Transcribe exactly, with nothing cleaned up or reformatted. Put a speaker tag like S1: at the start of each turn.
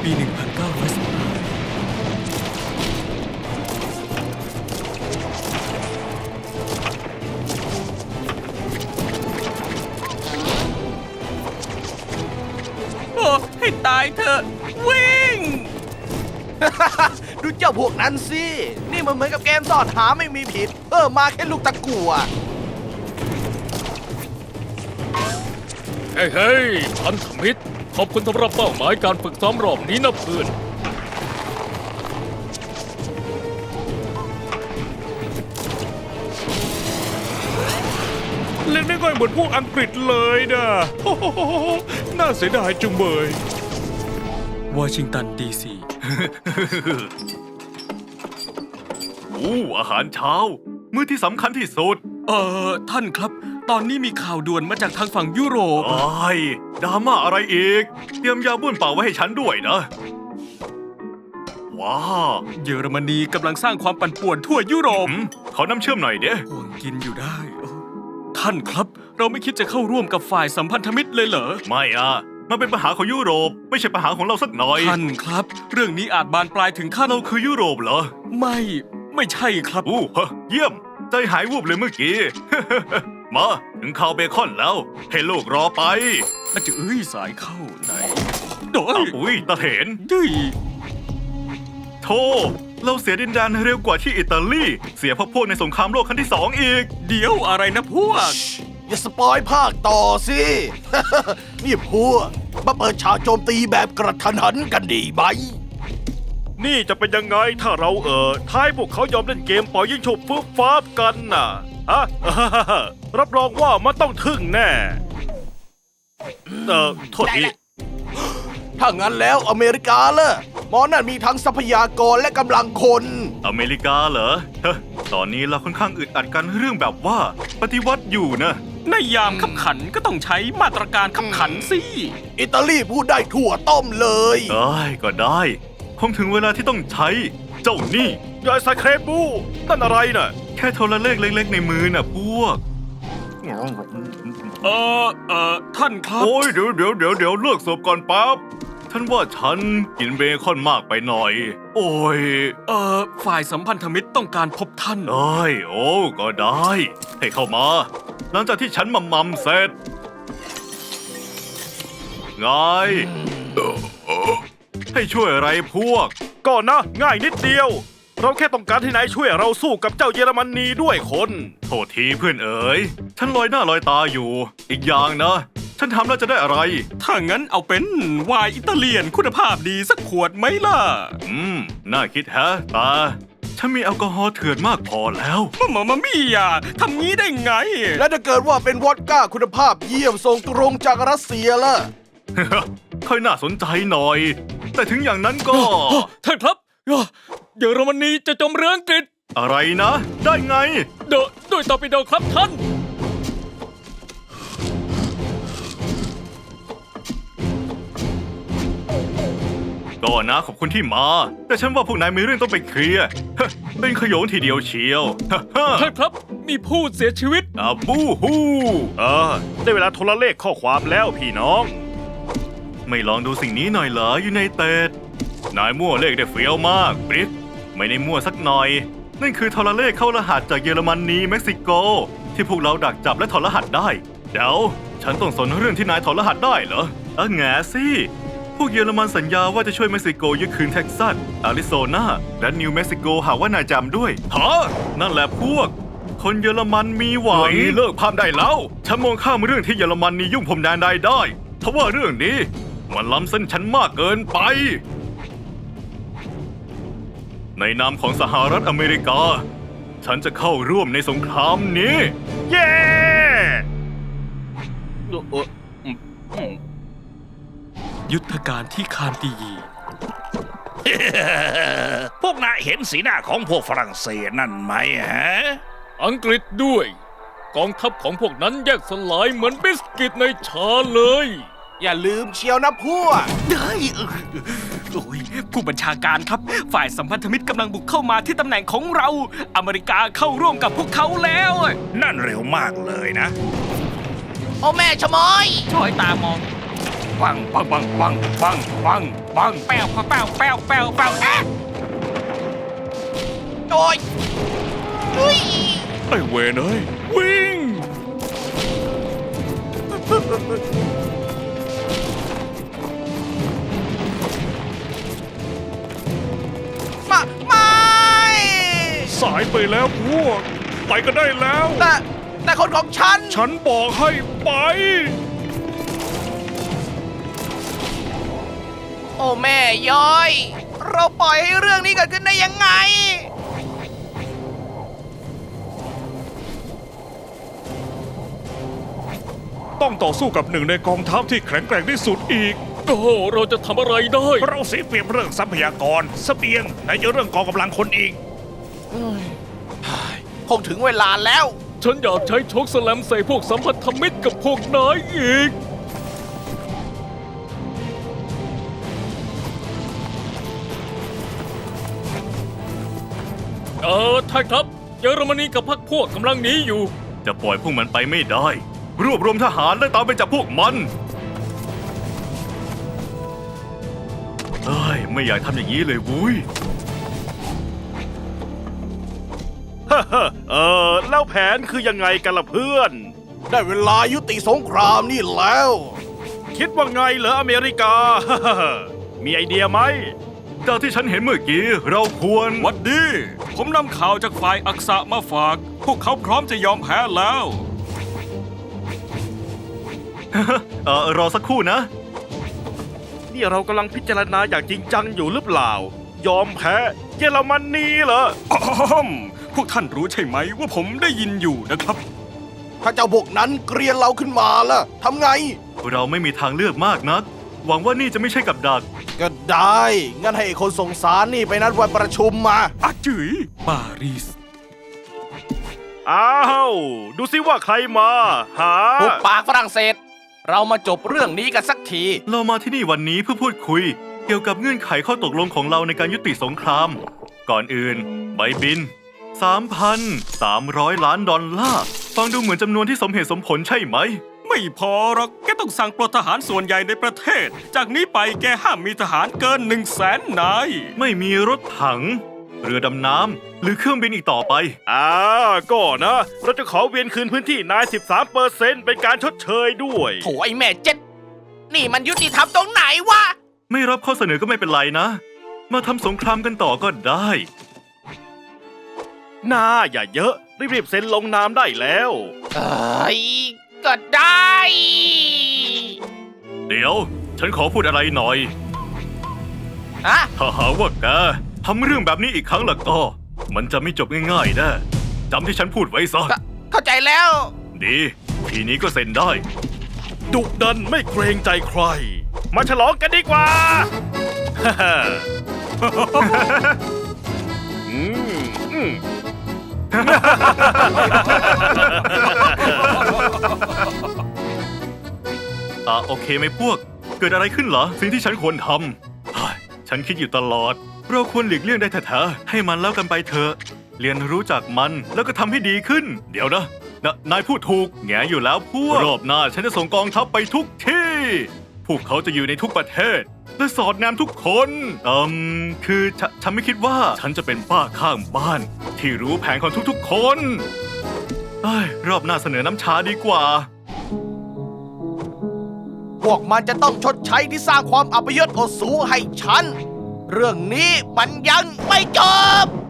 S1: ปี หนึ่งพันเก้าร้อยสิบห้า โอ้ให้ตายเถอะวิ่ง
S2: ดูเจ้าพวกนั้นสิ นี่มันเหมือนกับเกมซ่อนหาไม่มีผิดเพิ่มมาแค่ลูกตะกั่ว
S3: เฮ้ยเฮ้ยพันธมิตรขอบคุณสำหรับเป้าหมายการฝึกซ้อมรอบนี้นะเพื่อนเล่นไม่ค่อยเหมือนพวกอังกฤษเลยนะโอ้โหน่าเสียดายจุงเบยว
S1: อชิงตันดีซี
S3: โอ้อาหารเช้า มื้อที่สำคัญที่สุด
S1: เอ่อ ท่านครับ ตอนนี้มีข่าวด่วนมาจากทางฝั่งยุโรป
S3: โอ้ยดราม่าอะไรอีก เตรียมยาบ้วนเปล่าไว้ให้ฉันด้วยนะ ว้า
S1: เยอรมนีกำลังสร้างความปั่นป่วนทั่วยุโรป
S3: อืมขอน้ำเชื่อมหน่อยเด้
S1: ห่วงกินอยู่ได้โอ้ท่านครับ เราไม่คิดจะเข้าร่วมกับฝ่ายสัมพันธมิตรเลยเหรอ
S3: ไม่อ่ะ มันเป็นปัญหาของยุโรป ไม่ใช่ปัญหาของเราสักหน่อย
S1: ท่านครับ เรื่องนี้อาจบานปลายถึงขั้น
S3: เราคือยุโรปเหรอ
S1: ไม่ ไม่ใช่ครับ
S3: อู้ฮะเยี่ยม ใจหายวูบเลยเมื่อกี้ มาถึงข่าวเบคอนแล้ว ให้ลูกรอไป
S1: อาจจะเอ้ยสายเข้าไหนโดย
S3: อ้าวอุ้ยตาเถน
S1: ดุย
S3: โธ่เราเสียดินแดนเร็วกว่าที่อิตาลี เสียพวกพวกในสงครามโลกครั้งที่สองอีก
S1: เดี๋ยวอะไรนะพวก
S2: อย่าสปอยภาคต่อสิ นี่พวกมาเปิดฉากโจมตีแบบกระทันหันกันดีไหม
S4: นี่จะเป็นยังไงถ้าเราเออท้ายพวกเขายอมเล่นเกมปล่อยยิงฉุบฟึบฟ้าบกันน่ะฮะ รับรองว่ามันต้องทึ่งแน่ เออโทษที
S2: ถ้างั้นแล้วอเมริกาล่ะหมอนั่นมีทั้งทรัพยากรและกำลังคน
S3: อเมริกาเหรอเฮ้อตอนนี้เราค่อนข้างอึดอัดกันเรื่องแบบว่า ปฏิวัติอยู่นะ
S1: ในยามขับขันก็ต้องใช้มาตรการขับขันสิ
S2: อิตาลีพูดได้ทั่วต้มเลย
S3: เอ้ยก็ได้ คงถึงเวลาที่ต้องใช้ เจ้านี่
S4: ยายสเครบูนั่นอะไรน่ะ
S3: แค่โทรเลขเล็กๆในมือน่ะพวก
S1: เออเออท่านครับ
S3: โอ้ยเดี๋ยวเดี๋ยวเดี๋ยวเดี๋ยวเลิกเสิร์ฟก่อนปั๊บฉันว่าฉันกินเบคอนมากไปหน่อย โอ้ย
S1: เออฝ่ายสัมพันธมิตรต้องการพบท่าน
S3: เอ้ย โอ้ ก็ได้ ให้เข้ามา หลังจากที่ฉันมัมมัมเสร็จ ไง ให้ช่วยอะไรพวก
S4: ก่อนนะ ง่ายนิดเดียว เราแค่ต้องการให้นายช่วยเราสู้กับเจ้าเยอรมนีด้วยคน
S3: โทษทีเพื่อนเอ๋ย ฉันลอยหน้าลอยตาอยู่ อีกอย่างนะ ฉันทำแล้วจะได้อะไร
S1: ถ้างั้นเอาเป็นไวน์อิตาเลียนคุณภาพดีสักขวดไหมล่ะ
S3: อืม น่าคิดแฮะตา ฉันมีแอลกอฮอล์เถื่อนมากพอแล้ว
S1: มามามามี่อ่ะทำงี้ได้ไง
S2: และถ้าเกิดว่าเป็นวอดก้าคุณภาพเยี่ยมส่งตรงจากรัสเซียล่ะ
S3: ค่อยน่าสนใจหน่อย แต่ถึงอย่างนั้นก็
S1: ท่านครับเยอรมนีจะจมเรืออังกฤษ
S3: อะไรนะ ได้ไง
S1: โดด้วยตอร์ปิโดครับท่าน
S3: ก็นะขอบคุณที่มา แต่ฉันว่าพวกนายมีเรื่องต้องไปเคลียร์ ฮะเป็นขโยงทีเดียวเชียว ฮะฮะ
S1: ท่านครับมีผู้เสียชีวิต
S3: อาบูฮู
S4: เออ ได้เวลาโทรเลขข้อความแล้วพี่น้อง
S3: ไม่ลองดูสิ่งนี้หน่อยเหรอยูไนเต็ดนายมั่วเลขได้เฟี้ยวมากบริสไม่ได้มั่วสักหน่อย นั่นคือโทรเลขเข้ารหัสจากเยอรมนีเม็กซิโก ที่พวกเราดักจับและถอดรหัสได้ เดี๋ยว ฉันต้องสนเรื่องที่นายถอดรหัสได้เหรอเออแง่สิ พวกเยอรมันสัญญาว่าจะช่วยเม็กซิโกยึดคืนเท็กซัส อาริโซนา และนิวเม็กซิโกหากว่านายจำด้วยฮะนั่นแหละพวก คนเยอรมันมีหวังเลิกพามได้แล้ว ฉันมองข้ามเรื่องที่เยอรมันนี่ยุ่งผมแดนใดได้เพราะว่าเรื่องนี้มันล้ำเส้นฉันมากเกินไป ในนามของสหรัฐอเมริกา ฉันจะเข้าร่วมในสงครามนี้
S4: เย้
S1: ยุทธการที่คานตียี
S5: พวกนายเห็นสีหน้าของพวกฝรั่งเศสนั่นไหมฮะ
S3: อังกฤษด้วย กองทัพของพวกนั้นแยกสลายเหมือนบิสกิตในชาเลย
S2: อย่าลืมเชียวนะพวก
S1: ได้เออโอ้ยผู้บัญชาการครับ ฝ่ายสัมพันธมิตรกำลังบุกเข้ามาที่ตำแหน่งของเรา อเมริกาเข้าร่วมกับพวกเขาแล้ว
S5: นั่นเร็วมากเลยนะ
S2: โอ้แม่ชะมอย
S1: ช่อยตามองปังปังปังปังปังปังปังแป้วแป้วแป้วแป้วแป้วแอะโอ้ยอุ้ย
S4: ไอ้เวนเอ้ยวิ่ง
S2: มาไม่
S4: สายไปแล้วพวก ไปก็ได้แล้ว
S2: แต่แต่คนของฉัน
S4: ฉันบอกให้ไป
S2: โอ้แม่ย้อย เราปล่อยให้เรื่องนี้เกิดขึ้นได้ยังไง
S4: ต้องต่อสู้กับหนึ่งในกองทัพที่แข็งแกร่งที่สุดอีก โอ้โหเราจะทำอะไรได้ เราเสียเปรียบเรื่องทรัพยากรเสบียงไหนจะเรื่องกองกำลังคนอีก
S2: คงถึงเวลาแล้ว
S6: ฉันอยากใช้โชคสแลมใส่พวกสัมพันธมิตรกับพวกนายอีก เออท่านครับเยอรมนีกับพรรคพวกกำลังหนีอยู่
S3: จะปล่อยพวกมันไปไม่ได้ รวบรวมทหารและตามไปจับพวกมันเอ้ยไม่อยากทำอย่างนี้เลยวุ้ย
S4: เออ แล้วแผนคือยังไงกันล่ะเพื่อน
S2: ได้เวลายุติสงครามนี่แล้ว
S4: คิดว่าไงเหรออเมริกา มีไอเดียไหม
S3: จากที่ฉันเห็นเมื่อกี้เราควร
S1: หวัดดี ผมนำข่าวจากฝ่ายอักษะมาฝาก พวกเขาพร้อมจะยอมแพ้แล้ว
S3: เออรอสักครู่นะ
S4: นี่เรากำลังพิจารณาอย่างจริงจังอยู่หรือเปล่า ยอมแพ้เยอรมนีเหรอ
S1: อ้อมพวกท่านรู้ใช่ไหมว่าผมได้ยินอยู่นะครับ
S2: ถ้าเจ้าพวกนั้นเกรียนเราขึ้นมาล่ะทำไง
S3: เราไม่มีทางเลือกมากนัก หวังว่านี่จะไม่ใช่กับดัก
S2: ก็ได้ งั้นให้ไอ้คนส่งสารนี่ไปนัดวันประชุมมา
S1: อาจืยปารีส
S4: อ้าว ดูสิว่าใครมา หา
S2: หุบปากฝรั่งเศส เรามาจบเรื่องนี้กันสักที
S3: เรามาที่นี่วันนี้เพื่อพูดคุย เกี่ยวกับเงื่อนไขข้อตกลงของเราในการยุติสงคราม ก่อนอื่น ใบบิน สามพันสามร้อย ล้านดอลลาร์ ฟังดูเหมือนจำนวนที่สมเหตุสมผลใช่ไหม
S1: ไม่พอหรอกแกต้องสั่งปลดทหารส่วนใหญ่ในประเทศ จากนี้ไปแกห้ามมีทหารเกินหนึ่งแสนนาย
S3: ไม่มีรถถัง เรือดำน้ำหรือเครื่องบินอีกต่อไป
S4: อ่าก็นะ เราจะขอเวียนคืนพื้นที่นาย สิบสามเปอร์เซ็นต์ เป็นการชดเชยด้วย
S2: โถไอ้แม่เจ็ด นี่มันยุติธรรมตรงไหนวะ
S3: ไม่รับข้อเสนอก็ไม่เป็นไรนะ มาทำสงครามกันต่อก็ได้
S4: หน้าอย่าเยอะ รีบๆเซ็นลงนามได้แล้ว
S2: เอ้ย ก็ได้
S3: เดี๋ยว ฉันขอพูดอะไรหน่อย
S2: ฮะ
S3: ถ้าหากว่าแกทำเรื่องแบบนี้อีกครั้งละก็ มันจะไม่จบง่ายๆนะจำที่ฉันพูดไว้ซะ
S2: เข้าเข้าใจแล้ว
S3: ดี ทีนี้ก็เซ็นได้
S4: ดุดันไม่เกรงใจใคร มาฉลองกันดีกว่า อืมอืม
S3: อ่ะโอเคไหมพวก เกิดอะไรขึ้นเหรอ สิ่งที่ฉันควรทำเฮ้ยฉันคิดอยู่ตลอด เราควรหลีกเลี่ยงได้แท้ๆให้มันแล้วกันไปเถอะ เรียนรู้จากมันแล้วก็ทำให้ดีขึ้น เดี๋ยวนะนะนายพูดถูกแงอยู่แล้วพวก รอบหน้าฉันจะส่งกองทัพไปทุกที่ พวกเขาจะอยู่ในทุกประเทศ และสอดแนมทุกคนอืมคือฉฉันไม่คิดว่าฉันจะเป็นป้าข้างบ้าน ที่รู้แผนของทุกๆคนเอ้ยรอบหน้าเสนอน้ำชาดีกว่า
S2: พวกมันจะต้องชดใช้ที่สร้างความอัปยศอดสูให้ฉัน เรื่องนี้มันยังไม่จบ